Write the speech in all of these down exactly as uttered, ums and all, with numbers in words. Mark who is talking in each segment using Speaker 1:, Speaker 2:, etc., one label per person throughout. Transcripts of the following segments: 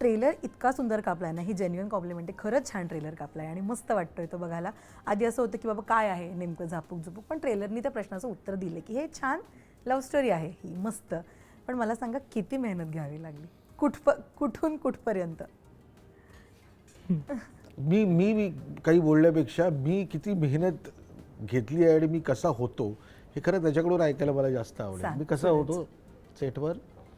Speaker 1: Trailer इतका सुंदर कापलाय ना, ही जेन्युइन कॉम्प्लिमेंट आहे. खरंच छान ट्रेलर कापलाय आणि मस्त वाटतोय तो बघायला. आधी असं होतं की बाबा काय आहे नेमकं झापूक झुपूक, पण ट्रेलरनी त्या प्रश्नाचं उत्तर दिलं की हे छान लव्ह स्टोरी आहे ही, मस्त. पण मला सांगा किती मेहनत घ्यावी लागली, कुठप कुठून कुठपर्यंत?
Speaker 2: मी मी मी काही बोलण्यापेक्षा मी किती मेहनत घेतली आहे आणि मी कसा होतो हे खरं त्याच्याकडून ऐकायला मला जास्त आवडेल.
Speaker 1: सांग,
Speaker 2: मी कसा होतो सेटवर.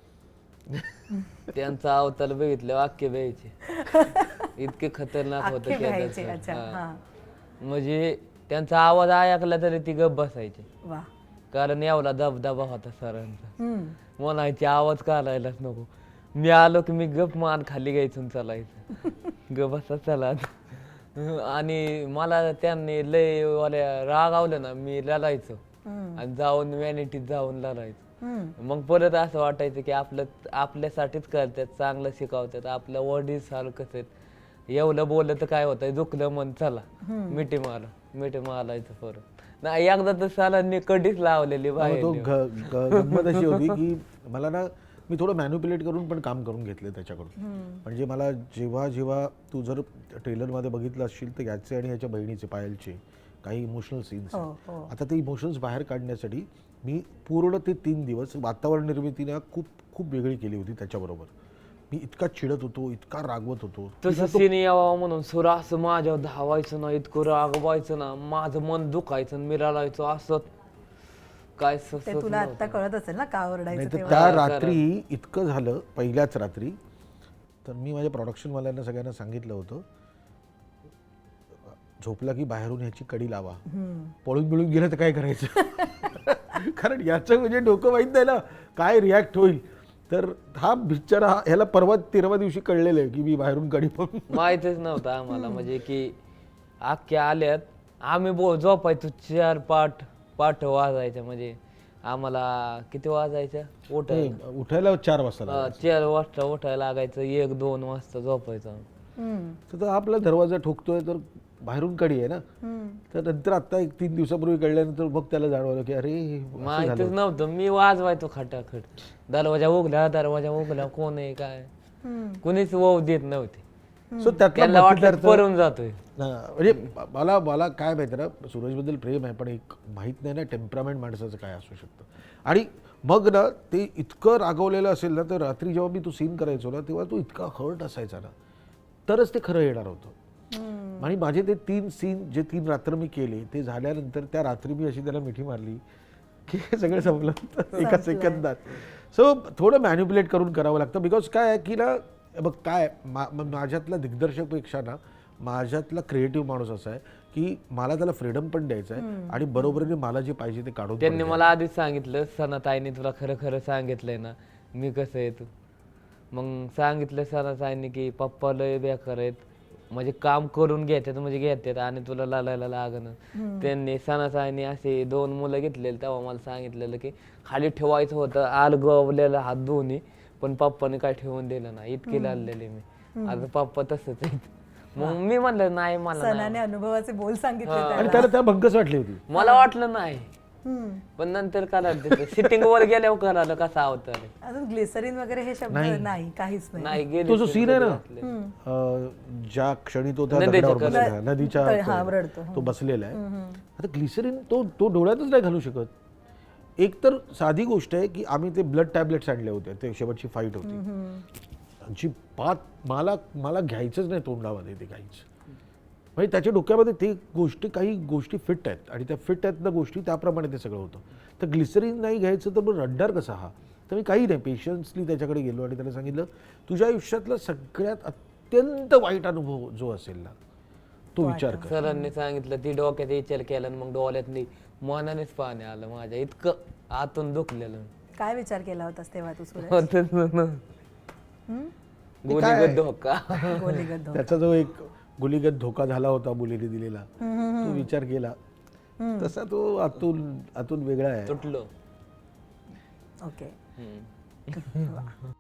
Speaker 3: त्यांचा अवतार बघितलं वाक्य द्यायचे इतके खतरनाक
Speaker 1: अख्खे
Speaker 3: होतं
Speaker 1: व्हायचे.
Speaker 3: त्या
Speaker 1: अच्छा,
Speaker 3: दरम्यान.
Speaker 1: हां.
Speaker 3: हा. म्हणजे त्यांचा आवाज ऐकला तरी ती गप बसायचे,
Speaker 1: वा.
Speaker 3: कारण एवढा दबदबा होता सरांचा.
Speaker 1: हम्म.
Speaker 3: म्हणायचे आवाज काढायलाच नको. मी आलो की मी गप मान खाली घ्यायचून चालायचं, गप बसा चला. आणि मला त्यांनी लय वाल्या रागावलं ना, मी लढायचो आणि जाऊन व्हॅनिटीत जाऊन लढायचो. मग परत असं वाटायचं की आपलं आपल्यासाठीच करतात, चांगलं शिकवतात, आपल्या वडील सारखंच आहेत. एवढं बोललं तर काय होतं, दुखलं मन चला मिठी मारा, मिठी मारायचं परत. नाही एकदा तर सरांनी कधीच लावलेली बाहेर
Speaker 2: तो
Speaker 3: नेऊन.
Speaker 2: ग- ग- गंमत अशी होती की मला ना मी थोडं मॅन्युप्युलेट करून पण काम करून घेतलं त्याच्याकडून. म्हणजे मला जेव्हा जेव्हा तू जर ट्रेलरमध्ये बघितलं असशील तर याचे आणि याच्या बहिणीचे पायलचे काही इमोशनल सीन्स
Speaker 1: हो, हो.
Speaker 2: आता ते इमोशन्स बाहेर काढण्यासाठी मी पूर्ण ते तीन दिवस वातावरण निर्मितीने खूप खूप वेगळी केली होती त्याच्याबरोबर. मी इतका चिडत होतो, इतका रागवत होतो.
Speaker 3: तसं सीन यावं म्हणून सुर असं माझ्यावर धावायचं ना, इतकं रागवायचं ना, माझं मन दुखायचं, मी रडायचो असं काय
Speaker 1: ते
Speaker 3: ससत
Speaker 1: तुला आता कळत असेल ना का ओरडायचं
Speaker 2: नाही तर
Speaker 1: तेव्हा.
Speaker 2: त्या रात्री इतकं झालं पहिल्याच रात्री. तर मी माझ्या प्रोडक्शनवाल्यांना सगळ्यांना सांगितलं होतं झोपला की बाहेरून ह्याची कडी लावा, पळून बिळून गेलं तर काय करायचं. कारण याचं म्हणजे डोकं माहीत नाही ना काय रिॲक्ट होईल. तर हा बिचारा ह्याला परवा तेराव्या दिवशी कळलेलं आहे की मी बाहेरून कडी पळून.
Speaker 3: माहितच नव्हतं आम्हाला. म्हणजे की अख्ख्या आल्यात आम्ही बो झोपायचो चार पाठ पाठ वाजायच्या. म्हणजे आम्हाला किती वाजायच्या उठायला,
Speaker 2: उठायला चार वाजता लागायचं.
Speaker 3: चार वाजता उठायला लागायचं, एक दोन वाजता झोपायचं.
Speaker 1: हम्म.
Speaker 2: तर तो आपला दरवाजा ठोकतोय तर बाहेरून कडी आहे ना. तर नंतर आता एक तीन दिवसापूर्वी कळल्यानंतर मग त्याला जाणवलं की अरे असं
Speaker 3: माहितच
Speaker 2: झालं.
Speaker 3: नव्हतं. मी वाजवायचो खटाखट, दरवाजा उघला दरवाजा उघला, कोण आहे काय कुणीच वाव देत नव्हते.
Speaker 2: सो त्यातला
Speaker 3: त्याला वाटलं
Speaker 2: मतितार्थ-
Speaker 3: पळून जातोय.
Speaker 2: हा, म्हणजे मला मला काय माहिती ना, सूरजबद्दल प्रेम आहे पण एक माहीत नाही ना टेम्परामेंट माणसाचं काय असू शकतं. आणि मग ना ते इतकं रागवलेलं असेल ना, तर रात्री जेव्हा मी तो सीन करायचो ना तेव्हा तो इतका हर्ट असायचा ना, तरच ते खरं येणार होतं. आणि माझे ते तीन सीन जे तीन रात्र मी केले ते झाल्यानंतर त्या रात्री मी अशी त्याला मिठी मारली की हे सगळं संपलं एका सेकंदात. सो थोडं मॅन्युप्युलेट करून करावं लागतं. बिकॉज काय आहे की ना, बघ काय मा माझ्यातला दिग्दर्शकपेक्षा ना माझ्यातला क्रिएटिव्ह माणूस असा आहे की मला त्याला फ्रीडम पण द्यायचं आहे आणि बरोबरीने मला जे पाहिजे ते काढून
Speaker 3: त्यांनी मला आधीच सांगितलं, सनाताईने तुला खरं खरं सांगितलंय ना मी कसं आहे तू. मग सांगितलं सनाताईने की पप्पा लय बेकार आहेत, म्हणजे काम करून घेतात म्हणजे घेतात आणि तुला लालायला लागणं. त्यांनी सनाताईने असे दोन मुलं घेतलेले तेव्हा मला सांगितलेलं की खाली ठेवायचं होतं आल गवलेला हात दोन्ही, पण पप्पाने काय ठेवून दिलं नाही, इतके लाललेले मी. आता पप्पा तसंच आहेत. मग मी म्हणलं नाही मला नाही.
Speaker 1: सनाने अनुभवाचे बोल सांगितले
Speaker 2: आणि
Speaker 1: त्याला.
Speaker 2: त्याला त्या भंकस वाटली होती.
Speaker 3: मला वाटलं नाही,
Speaker 1: हम्म.
Speaker 3: पण नंतर करायला सिटिंग वर गेल्यावर करायला कसा होता
Speaker 1: अजून ग्लिसरीन वगैरे हे शब्द नाही, काहीच नाही.
Speaker 3: नाही गेले.
Speaker 2: तो जो सीन आहे ना अं, ज्या क्षणी तो त्या
Speaker 3: नदीच्या
Speaker 2: दगडावर बसलेला आहे, नदीच्या
Speaker 1: तळ- हा, रडतो.
Speaker 2: तो बसलेला आहे. आता ग्लिसरीन तो तो डोळ्यातच नाही घालू शकत. एक तर साधी गोष्ट आहे की आम्ही ते ब्लड टॅबलेट्स आणले होते, ते शेवटची फाईट होती जी पात मला मला घ्यायचंच नाही तोंडामध्ये ते काहीच. म्हणजे त्याच्या डोक्यामध्ये ते गोष्टी काही गोष्टी फिट आहेत आणि त्या फिट आहेत ना गोष्टी त्याप्रमाणे ते सगळं होतं. तर ग्लिसरीन नाही घ्यायचं तर मग रड्डार कसा हा. तर मी काही नाही पेशन्सली त्याच्याकडे गेलो आणि त्याला सांगितलं तुझ्या आयुष्यातला सगळ्यात अत्यंत वाईट अनुभव जो असेल ना तो विचार कर.
Speaker 3: सरांनी सांगितलं, ती डोक्यात विचार केला आणि मग डोळ्यात मनानेच पाणी आलं माझ्या, इतकं आतून दुखलेलं.
Speaker 1: काय विचार केला होतास तेव्हा तू सुरेश?
Speaker 3: होतच ना. गोलीगत धोका.
Speaker 1: गोलीगत धोका.
Speaker 2: त्याचा जो एक गुलीगत धोका झाला होता मुलीने दिलेला तो विचार केला तसा तो आतून आतून वेगळा आहे.
Speaker 3: तुटलो.
Speaker 1: ओके.
Speaker 3: हम्म.